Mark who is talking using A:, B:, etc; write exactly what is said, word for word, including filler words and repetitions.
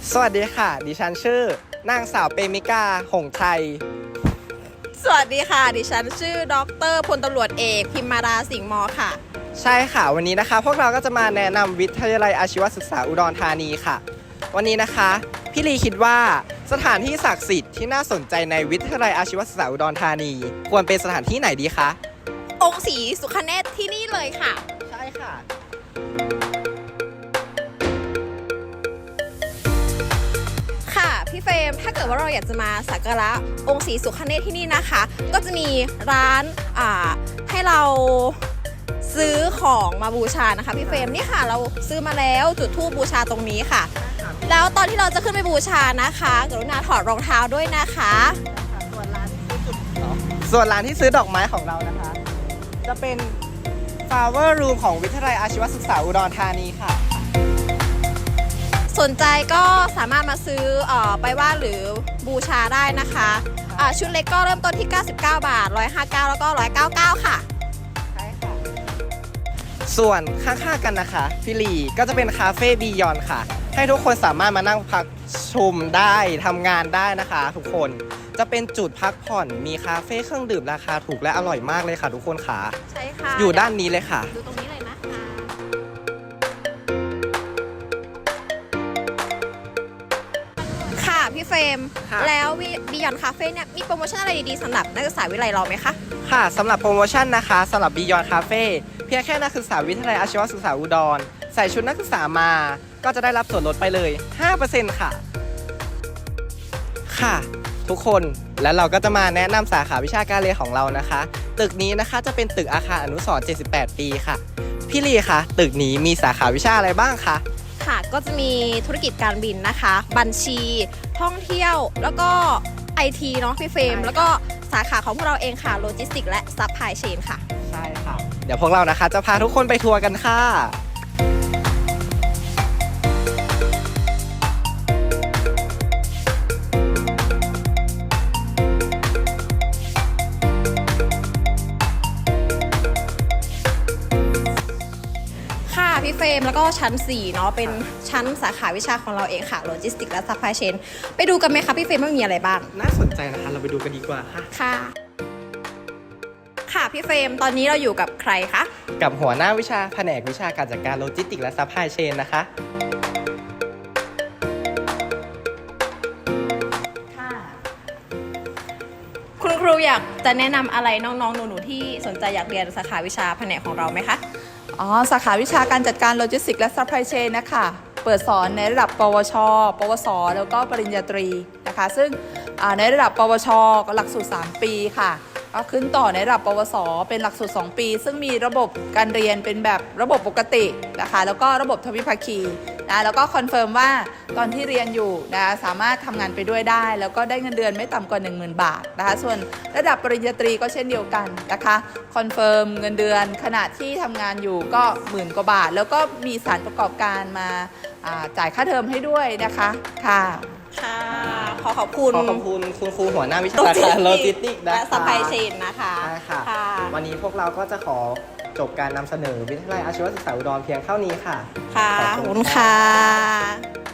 A: สวัสดีค่ะดิฉันชื่อนางสาวเปมิกาหงไทย
B: สวัสดีค่ะดิฉันชื่อดรพลตำรวจเอกพิมมาราสิงห์มอค่ะ
A: ใช่ค่ะวันนี้นะคะพวกเราก็จะมาแนะนำวิทยาลัยอาชีวศึกษาอุดรธานีค่ะวันนี้นะคะพี่ลีคิดว่าสถานที่ศักดิ์สิทธิ์ที่น่าสนใจในวิทยาลัยอาชีวศึกษาอุดรธานีควรเป็นสถานที่ไหนดีคะ
B: องค์ศรีสุขเนตรที่นี่เลยค่ะ
A: ใช่ค่ะ
B: ค่ะพี่เฟรมถ้าเกิดว่าเราอยากจะมาสักการะองค์ศรีสุขเนตรที่นี่นะคะก็จะมีร้านอ่าให้เราซื้อของมาบูชานะคะพี่เฟรมนี่ค่ะเราซื้อมาแล้วจุดธูปบูชาตรงนี้ค่ะแล้วตอนที่เราจะขึ้นไปบูชานะคะกรุณาถอดรองเท้าด้วยนะคะ
A: ส่วนร้านที่ซื้อจุดส่วนร้านที่ซื้อดอกไม้ของเรานะคะจะเป็น Flower Room ของวิทยาลัยอาชีวศึกษาอุดรธานีค่ะ
B: สนใจก็สามารถมาซื้ออไปไหว้หรือบูชาได้นะคะะชุดเล็กก็เริ่มต้นที่เก้าสิบเก้าบาทหนึ่งร้อยห้าสิบเก้าแล้วก็หนึ่งร้อยเก้าสิบเก้าค่ะ
A: ใช่ค่ะส่วนข้างๆกันนะคะพี่ลีก็จะเป็นคาเฟ่บียอนค่ะให้ทุกคนสามารถมานั่งพักชมได้ทำงานได้นะคะทุกคนจะเป็นจุดพักผ่อนมีคาเฟ่เครื่องดื่มราคาถูกและอร่อยมากเลยค่ะทุกคนค่ะ
B: ใช่ค่ะ
A: อยู่ด้านนี้เลยค่ะ
B: ดูตรงนี้เลยนะคะค่ะพี่เฟรมแล้วบียอนคาเฟ่เนี่ยมีโปรโมชั่นอะไรดีๆสำหรับนักศึกษาวิทยาลัยเราไหมคะ
A: ค่ะสำหรับโปรโมชั่นนะคะสำหรับบียอนคาเฟ่เพียงแค่นักศึกษาวิทยาลัยอาชีวศึกษาอุดรใส่ชุดนักศึกษามาก็จะได้รับส่วนลดไปเลย ห้าเปอร์เซ็นต์ ค่ะค่ะทุกคนแล้วเราก็จะมาแนะนำสาขาวิชาการเรียนของเรานะคะตึกนี้นะคะจะเป็นตึกอาคารอนุสรณ์เจ็ดสิบแปดปีค่ะพี่ลีคะตึกนี้มีสาขาวิชาอะไรบ้างคะ
B: ค่ะก็จะมีธุรกิจการบินนะคะบัญชีท่องเที่ยวแล้วก็ ไอ ที เนาะพี่เฟรมแล้วก็สาขาของพวกเราเองค่ะโลจิสติกและซัพพลายเชนค่ะ
A: ใช่ค่ะเดี๋ยวพวกเรานะคะจะพาทุกคนไปทัวร์กันค่ะ
B: พี่เฟรมแล้วก็ชั้นสี่เนาะเป็นชั้นสาขาวิชาของเราเองค่ะโลจิสติกและซัพพลายเชนไปดูกันไหมคะพี่เฟรมว่ามีอะไรบ้าง
A: น่าสนใจนะคะเราไปดูกันดีกว่าค่ะ
B: ค่ะค่ะพี่เฟรมตอนนี้เราอยู่กับใครคะ
A: กับหัวหน้าวิชาแผนกวิชาการจัดการโลจิสติกและซัพพลายเชนนะคะ
B: ค่ะคุณครูอยากจะแนะนำอะไรน้องๆหนูๆที่สนใจอยากเรียนสาขาวิชาแผนกของเราไหมคะ
C: อ๋อสาขาวิชาการจัดการโลจิสติกส์และซัพพลายเชนนะคะเปิดสอนในระดับปวช ปวส แล้วก็ปริญญาตรีนะคะซึ่งในระดับปวชก็หลักสูตรสามปีค่ะก็ขึ้นต่อในระดับปวสเป็นหลักสูตรสองปีซึ่งมีระบบการเรียนเป็นแบบระบบปกตินะคะแล้วก็ระบบทวิภาคีนะแล้วก็คอนเฟิร์มว่าตอนที่เรียนอยู่นะสามารถทำงานไปด้วยได้แล้วก็ได้เงินเดือนไม่ต่ำกว่า หนึ่งหมื่น บาทนะคะส่วนระดับปริญญาตรีก็เช่นเดียวกันนะคะคอนเฟิร์มเงินเดือนขณะที่ทำงานอยู่ก็หมื่นกว่าบาทแล้วก็มีสถานประกอบการมาจ่ายค่าเทอมให้ด้วยนะคะค่ะ
B: ค่ะขอขอบคุณ
A: ขอขอบคุณคุณครูหัวหน้าวิชาการโลจิสติกส์
B: และซัพพลายเชนนะคะ
A: ใช่ค่ะวันนี้พวกเราก็จะขอจบการนำเสนอวิทยาลัยอาชีวศึกษาอุดรเพียงเท่านี้ค่ะ
B: ค่ะขอบคุณค่ะ